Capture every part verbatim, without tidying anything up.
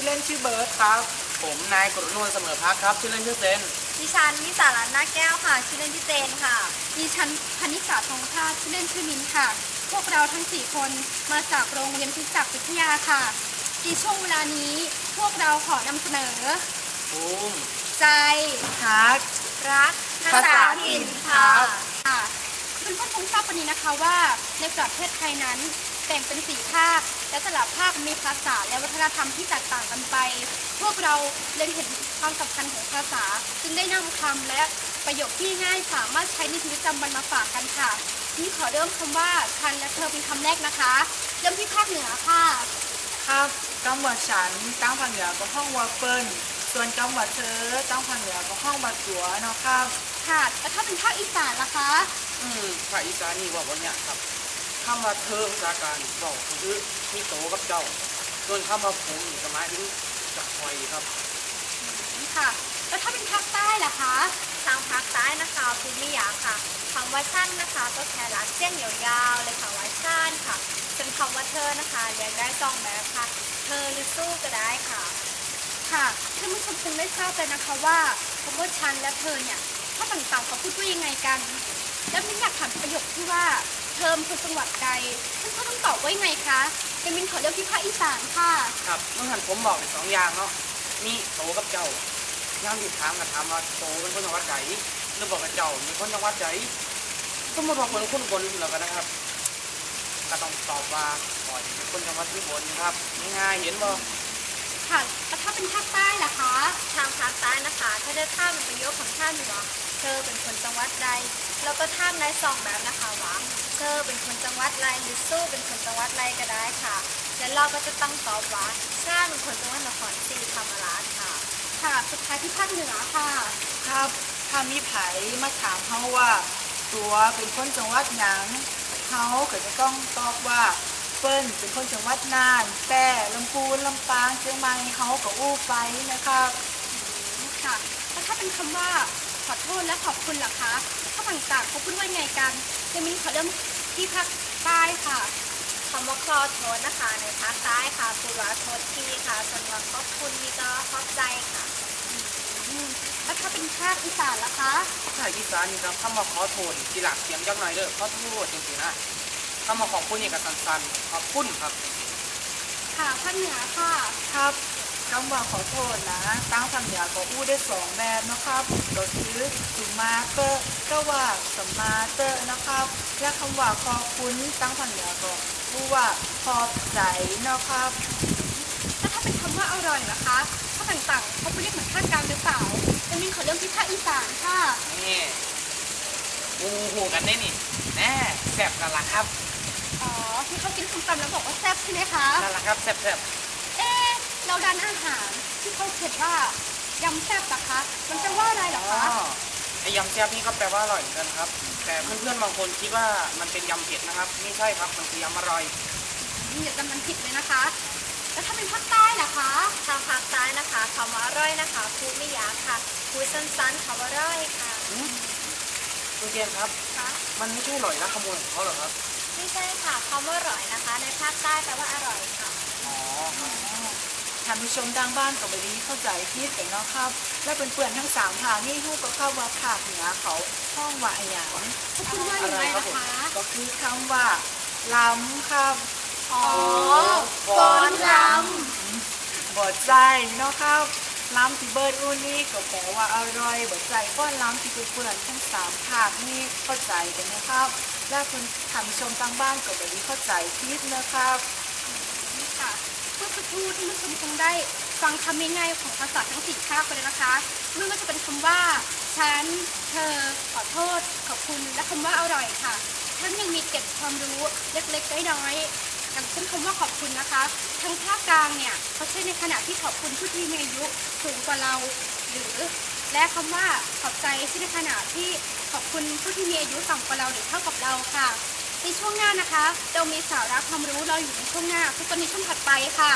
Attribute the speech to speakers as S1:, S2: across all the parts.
S1: ล่นชื่อเบิร์ดครับผมนายกฤษณวลเสมอพักครับชื่อเล่นชื่อเซน
S2: ดิฉันนิสารัตน์นาแก้วค่ะชื่อเล่นชื่อเจนค่ะ
S3: ดิฉันพนิษาทองพาชื่อเล่นชื่อมินค่ะพวกเราทั้งสี่คนมาจากโรงเรียนพิจักวิทยาค่ะในช่วงเวลานี้พวกเราขอนำเสนอ
S1: ภูมิ
S3: ใจ
S1: ฮัก
S2: รักภาษาถิ่นค่ะ
S3: ค่ะเพื่อนๆคงทราบวันนี้นะคะว่าในประเทศไทยนั้นแบ่งเป็นสี่ภาคและแต่ละภาคมีภาษาและวัฒนธรรมที่แตกต่างกันไปพวกเราเล็งเห็นความสำคัญของภาษาจึงได้นำคำและประโยคที่ง่ายสามารถใช้ในชีวิตประจำวันมาฝากกันค่ะนี่ขอเริ่มคำว่าฉันและเธอเป็นคำแรกนะคะเริ่มที่ภาคเหนือค่ะ
S1: ครับคำว่าฉันตั้งภาคเหนือก็ห้องว่าเปิ้ลส่วนคำว่าเธอตั้งภาคเหนือก็ห้องว่าตัวเนาะครับ
S3: ค่ะแล้วถ้าเป็นภาคอีสานล่ะคะ
S1: อืมภาคอีสานนี่ว่าวันเนี้ยครับคำว่าเธอภาษาการบอกคือมีโตกับเจ้าส่วนคำว่าผมสมัยนี้จะคอยครับ
S3: ค่ะแล้วถ้าเป็นภาคใต้ล่ะคะ
S2: ทางภาคใต้นะคะภูมิยาค่ะคำว่าชั้นนะคะก็แค่ลัดเส้นยาวๆเลยค่ะว่าชั้นค่ะส่วนคำว่าเธอนะคะเรียกได้สองแบบค่ะเธอหรือสู้ก็ได้ค่ะ
S3: ค่ะท่านผู้ชมคงได้ทราบเลยนะคะว่าคำว่าฉันและเธอเนี่ยถ้าต่างๆเขาพูดว่ายังไงกันแล้วมินอยากถามประโยคที่ว่าเธอเป็นคนจังหวัดใดท่านเขาต้องตอบว่ายังไงคะเป็นมินขอเลือกที่ภาคอีสานค่ะ
S1: ครับเมื่อหันผมบอกเป็นสองอย่างเนาะมีโตกับเจ้าย่างที่ถามกับถามว่าโตเป็นคนจังหวัดไหนหรือบอกกับเจ้ามีคนจังหวัดไหนสมมติว่าคนคุ้นบนเรากันนะครับก็ต้องตอบว่าก่อนเป็นคนจังหวัดที่บนครับง่ายๆเห็นบ่
S3: ค่ะแล้วถ้าเป็นภาคใต้ล่ะคะ
S2: ทางภาคใต้นะคะถ้าได้ท่ามันประโยคของท่านเหนือเธอเป็นคนจังหวัดใดแล้วก็ท่ามได้สองแบบนะคะว่าเธอเป็นคนจังหวัดไรหรือสู้เป็นคนจังหวัดไรก็ได้ค่ะแล้วเราก็จะต้องตอบว่าข้าเป็นคนจังหวัดนครศรีธรรมราชค่ะ
S3: ค่ะสุดท้ายที่ภาคเหนือค่ะ
S1: ครับถ้ามีไผมาถามเขาว่าตัวเป็นคนจังหวัดหยังเขาก็จะต้องตอบว่าเปิ้ลเป็นคนจังหวัดน่านแพร่ลำพูนลำปางเชียงใหม่เขาก็อู้ไปนะครับ
S3: ค่ะแล้วถ้าเป็นคำว่าขอโทษและขอบคุณล่ะคะถ้าต่างๆเขาพูดว่าไงกันเดมินขอเริ่มที่ภาคใต้ค่ะ
S2: คำว่าขอโทษนะคะในภาคใต้ค่ะพูดว่าโทษทีค่ะส่วนว่าขอบคุณนี่ก็ขอบใจค่ะ
S3: แล้วถ้าเป็นภาคอีสานล่ะคะ
S1: ภาคอีสานนี่ครับคำว่าขอโทษทีหลักเสียงจักหน่อยเด้อขอโทษจริงๆนะคำว่าขอบคุณนี่ก็สั้นๆขอบคุณครับ
S3: ค่ะภาคเหนือค่ะ
S1: ครับคำว่าขอโทษนะตั้งภาคเหนือก็อู้ได้สองแบบนะครับก็คือสุมาเตอร์ก็ว่าสมาเตอร์นะครับและคำว่าขอบคุณตั้งภาคเหนือก็อู้ว่าขอบใจนะครับ
S3: แล้วถ้าเป็นคำว่าอร่อยล่ะคะถ้าต่างๆเขาเรียกเหมือนภาคกลางหรือเปล่าเดมินขอเริ่มที่ภาคอีสานค่ะ
S1: นี่อูหูกันได้นี่แน่แซ่บนั่นแหละครับ
S3: อ๋อที่เขากินส้มตำแล้วบอกว่าแซ่บใช่ไหมคะ
S1: นั่นแหละครับแซ่บแซ่บ
S3: เอ๊ะเราดันอาหารที่เขาเขียนว่ายำแซ่บนะคะมันจะว่าอะไรหรอคะ
S1: ไอยำแซ่บนี่ก็แปลว่าอร่อยเหมือนกันครับแต่เพื่อนๆบางคนคิดว่ามันเป็นยำเผ็ดนะครับไม่ใช่ครับมันคือยำอร่อย
S3: อย่าจำมันผิดเลยนะคะแล้วถ้าเป็นภาคใต้ล่ะคะ
S2: ทางภาคใต้นะคะคำว่าอร่อยนะคะพูดไม่ยากค่ะพูดสั้นๆคำว่าอร่อยค่ะ
S1: คุณเจนครับมันไม่ใช่อร่อยนะขโมยของเขาหรอครับ
S2: ไม่ใช่ค่ะคำว่าอร่อยนะคะในภาคใต้แปลว่าอร่อยค่ะ
S1: อ๋อท่านผู้ชมทางบ้านก็ไม่ได้เข้าใจผิดกันเนาะครับและเพื่อนๆทั้งสามภาคนี่ฮู้ก็เข้าว่าภาคเหนือเขาห้องว่าอย่าง
S3: เขาพูดว่าอย่างไรนะคะ
S1: ก็คือคำว่าล้ำครับ
S3: อ๋อฟ้อนล้
S1: ำบ่ใจเนาะครับล้ำที่เบิร์ดอูนี่ก็แปลว่าอร่อยบ่ใจฟ้อนล้ำที่เพื่อนๆทั้งสามภาคนี่เข้าใจกันนะครับและคุณท่านผู้ชมทางบ้านก็ไม่ได้เข้าใจผิดนะครับ
S3: ค่ะเมื่อสักครู่ที่ผู้ชมคงได้ฟังคำง่ายๆของภาษาทั้งสี่ภาคไปเลยนะคะมันก็จะเป็นคำว่าฉันเธอขอโทษขอบคุณและคำว่าอร่อยค่ะท่านยังมีเก็บความรู้เล็กๆน้อยๆอย่างเช่นคำว่าขอบคุณนะคะทางภาคกลางเนี่ยเขาใช้ในขณะที่ขอบคุณผู้ที่มีอายุสูงกว่าเราหรือและคำว่าขอบใจใช้ในขณะที่ขอบคุณผู้ที่มีอายุต่ำกว่าเราหรือเท่ากับเราค่ะในช่วงหน้านะคะเรามีสาระความรู้รออยู่ในช่วงหน้าทุกคนในช่วงถัดไปค่ะ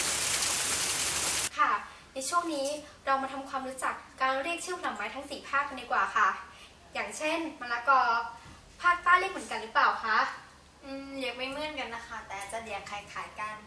S3: ค่ะในช่วงนี้เรามาทำความรู้จักการเรียกชื่อผลไม้ทั้งสี่ภาคกันดีกว่าค่ะอย่างเช่นมะละกอภาคใต้เรียกเหมือนกันหรือเปล่าคะ
S2: อืมเรียกไม่เหมือนกันนะคะแต่จะเรียกคล้ายๆกัน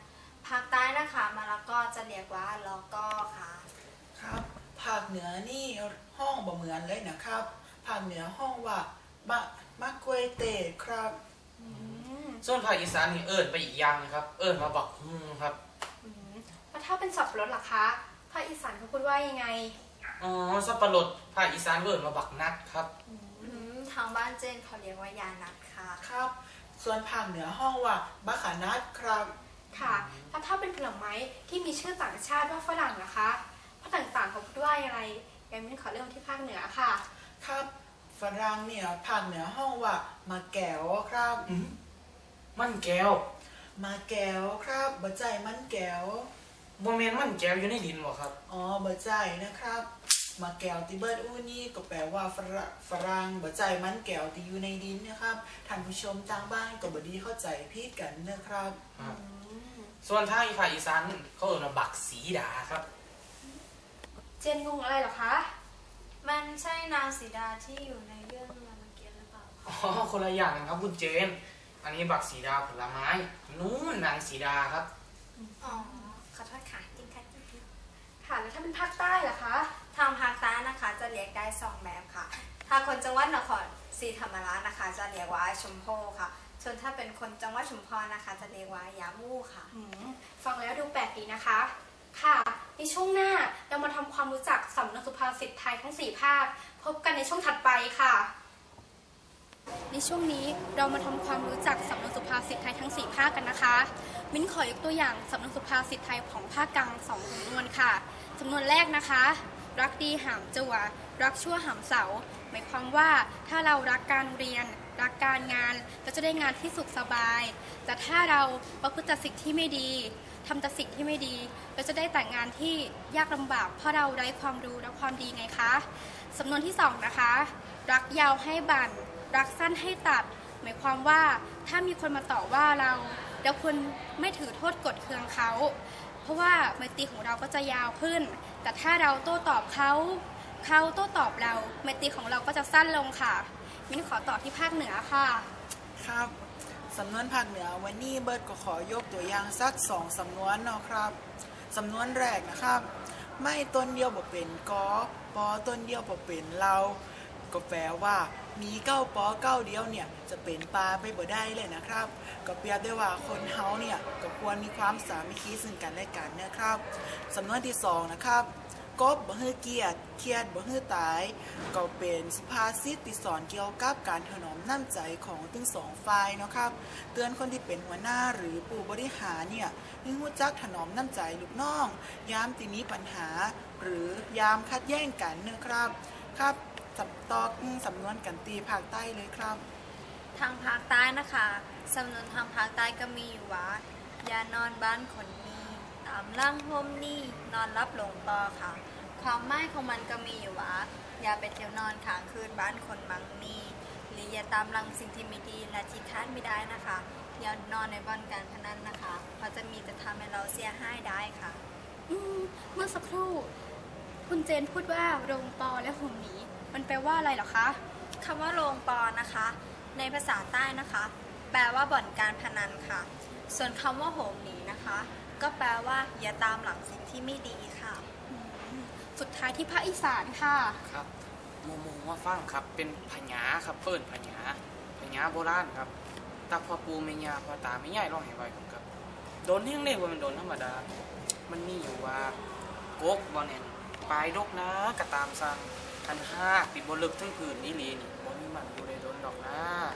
S2: ภาคใต้นะคะมะละกอจะเรียกว่าลอก้อค่ะ
S4: ครับภาคเหนือนี่ห้องบ่เหมือนเลยนะครับภาคเหนือห้องว่าบะมะกวยเตะครับ
S1: ส่วนภาคอีสานนี่เอิญไปอีกอย่างนะครับเอิญมาบักฮุงครับ
S3: แล้วถ้าเป็นสับปะรดล่ะคะภาคอีสานเขาพูดว่ายังไง
S1: อ๋อสับปะรดภาคอีสานเอิญมาบักนัดครับ
S2: อืมทางบ้านเจนเขาเรียกว่ายานัดค่ะ
S4: ครับ ส่วนภาคเหนือห้องว่าบะขานัดครับ
S3: ค่ะแล้วถ้าเป็นผลไม้ที่มีชื่อต่างชาติว่าฝรั่งนะคะภาคต่างๆเขาพูดว่าอะไรงั้นมิ้นขอเริ่มที่ภาคเหนือค่ะ
S4: ครับฝรั่งเนี่ยภาคเหนือห้องว่ามาแก้วครับ
S1: มันแก้ว
S4: มาแก้วครับบะใจมันแก้ว
S1: โมเมนมันแก้วอยู่ในดินบ่ครับ
S4: อ๋อบะใจนะครับ มาแก้วที่เบิร์ดอู้นี่ก็แปลว่าฝรั่งฝรั่งบะใจมันแก้วที่อยู่ในดินนะครับท่านผู้ชมทางบ้านก็บดีเข้าใจผิดกันนะครับ
S1: ส่วนทางอีภาคอีสานเขาเอิญมาบักสีดาครับ
S3: เจนงงอะไรเหรอคะ
S2: มันใช่นางสีดาที่อยู่ในเรื่องรามเกียรติ์หรือเปล่า
S1: อ๋อคนละอย่างกันครับคุณเจน อันนี้บักสีดาผลไม้นู้นนางสีดาครับ
S2: อ๋อขอโทษค่ะจริงค่ะจริง
S3: ค่ะแล้วถ้าเป็นภาคใต้ล่ะคะ
S2: ทางภาคใต้นะคะจะเรียกได้สองแบบค่ะ ถ้าคนจังหวัดนครศรีธรรมราชนะคะ จะเรียกว่าชมโพค่ะ ส่วนถ้าเป็นคนจังหวัดชุมพรนะคะ จะเรียกว่ายามู่ค่ะ
S3: อืมฟังแล้วดูแปลกดีนะคะ ค่ะ ในช่วงหน้าเรามาทำความรู้จักสำนวนสุภาษิตไทยทั้งสี่ภาค พบกันในช่วงถัดไปค่ะ ในช่วงนี้เรามาทำความรู้จักสำนวนสุภาษิตไทยทั้งสี่ภาคกันนะคะ มิ้นขอยกตัวอย่างสำนวนสุภาษิตไทยของภาคกลางสองสำนวนค่ะสำนวนแรกนะคะ รักดีหามจั่วรักชั่วหามเสา หมายความว่าถ้าเรารักการเรียน รักการงานเราจะได้งานที่สุขสบาย แต่ถ้าเราประพฤติแต่สิ่งที่ไม่ดีทำแต่สิ่งที่ไม่ดีเราจะได้แต่งงานที่ยากลำบากเพราะเราไร้ความรู้และความดีไงคะสำนวนที่สองนะคะ รักยาวให้บั่นรักสั้นให้ตัด หมายความว่าถ้ามีคนมาต่อว่าเราเราควรไม่ถือโทษกดเคืองเขา เพราะว่าไมตรีของเราก็จะยาวขึ้น แต่ถ้าเราโต้ตอบเขาเขาโต้ตอบเราไมตรีของเราก็จะสั้นลงค่ะมิ้นขอต่อที่ภาคเหนือค่ะ
S4: ครับสำนวนภาคเหนือวันนี้เบิร์ดก็ขอยกตัวอย่างสักสองสำนวนเนาะครับสำนวนแรกนะครับ ไม่ต้นเดียวบ่เป็นกอปอต้นเดียวบ่เป็นเราก็แปลว่ามีเก้าปอเก้าเดียวเนี่ยจะเป็นปลาไปบ่ได้เลยนะครับก็เปรียบได้ว่าคนเฮาเนี่ยก็ควรมีความสามัคคีซึ่งกันและกันนะครับสำนวนที่สองนะครับกบบ่ฮื้อเกียรติเครียดบ่ฮื้อตายก็เป็นสุภาษิตที่สอนเกี่ยวกับการถนอมน้ำใจของทั้งสองฝ่ายเนาะครับเตือนคนที่เป็นหัวหน้าหรือผู้บริหารเนี่ยให้รู้จักถนอมน้ำใจลูกน้องยามที่มีปัญหาหรือยามคัดแย่งกันนะครับครับสับตอกสำนวนกันตีภาคใต้เลยครับ
S2: ทางภาคใต้นะคะสำนวนทางภาคใต้ก็มีอยู่ว่าอย่านอนบ้านคนนี้ตามล่างห่มนี่นอนรับหลงปอค่ะ ความหมายของมันก็มีอยู่ว่าอย่าไปเที่ยวนอนค้างคืนบ้านคนมังมีหรืออย่าตามรังสิ่งที่ไม่ดีและที่คาดไม่ได้นะคะอย่านอนในบ่อนการพนันนะคะเพราะจะมีแต่ทำให้เราเสียหายได้ค่ะ
S3: อืมเมื่อสักครู่ คุณเจนพูดว่าโรงปอและห่มหนีมันแปลว่าอะไรเหรอคะ
S2: คำว่าโรงปอนะคะ ในภาษาใต้นะคะ แปลว่าบ่อนการพนันค่ะ ส่วนคำว่าโหมหนีนะคะ ก็แปลว่าอย่าตามหลังสิ่งที่ไม่ดีค่ะ
S3: สุดท้ายที่ภาคอีสานค่ะ
S1: ครับโมโมว่าฟังครับเป็นพญาครับเปิ้นพญาพญาโบราณครับตาพ่อปูแม่ย่าพ่อตาแม่ยายร้องให้ไว้ผมครับโดนเฮงเลยว่ามันโดนธรรมดา มันมีอยู่ว่ากกบ่เนี่ยปลายดกนะกระตามสั่งคันห้าปิดบนลึกทั้งผืนนี่ลีนี่บ่มีมันอยู่ในโดนดอกนะ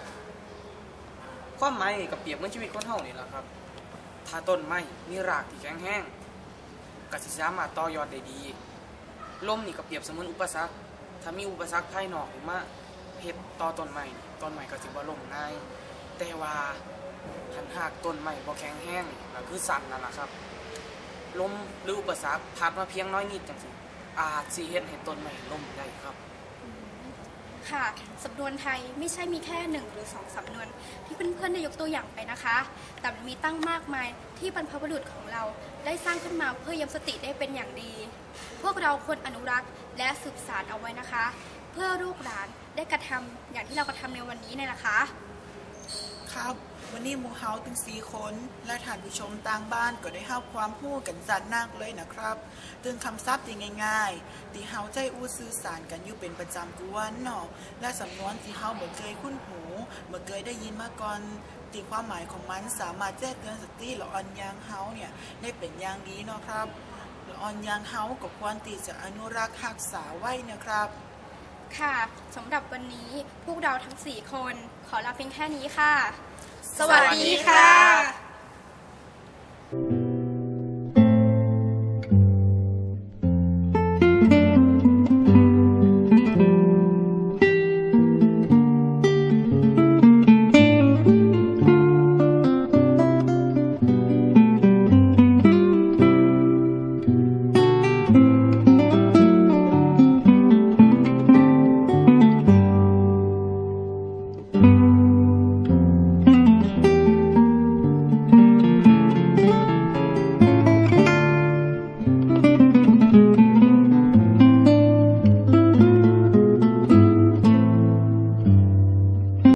S1: ความหมายนี่ก็เปรียบเหมือนชีวิตคนเฮานี่แหละครับถ้าต้นไม้มีรากที่แข็งแรงก็สิสามารถต่อยอดได้ดีลมนี่ก็เปรียบเสมือนอุปสรรคถ้ามีอุปสรรคภายนอกขึ้นมาเฮ็ดต่อต้นไม้นี่ต้นไม้ก็สิบ่ล้มง่ายแต่ว่าคันหากต้นไม้บ่แข็งแรงนี่ก็คือสั่นนั่นล่ะครับลมหรืออุปสรรคพัดมาเพียงน้อยนิดจังซี่อาจสิเฮ็ดให้ต้นไม้ล้มได้ครับ
S3: ค่ะสำนวนไทยไม่ใช่มีแค่หนึ่งหรือสองสำนวนที่เพื่อนๆได้ยกตัวอย่างไปนะคะ แต่มีตั้งมากมายที่บรรพบุรุษของเราได้สร้างขึ้นมาเพื่อย้ำสติได้เป็นอย่างดี พวกเราควรอนุรักษ์และสืบสานเอาไว้นะคะ เพื่อลูกหลานได้กระทำอย่างที่เรากระทำในวันนี้เนี่ยนะคะ
S1: ค
S4: นะครับวันนี้หมูเฮาถึงสี่คนและท่านผู้ชมต่างบ้านก็ได้เฮาความรู้กันจัดนักเลยนะครับตึงคำศัพท์ที่ง่ายๆที่เฮาใจอู้สื่อสารกันอยู่เป็นประจำทุกวันเนาะและสำนวนที่เฮาบ่เคยคุ้นหูบ่เคยได้ยินมาก่อนตีความหมายของมันสามารถแจ้งเตือนสติละอ่อนยางเฮาเนี่ยได้เป็นอย่างดีเนาะครับละอ่อนยางเฮาก็ควรที่จะอนุรักษ์รักษาไว้นะครับ
S3: ค่ะสำหรับวันนี้พวกเราทั้งสี่คนขอลาเพียงแค่นี้ค่ะ
S2: สวัสดีค่ะ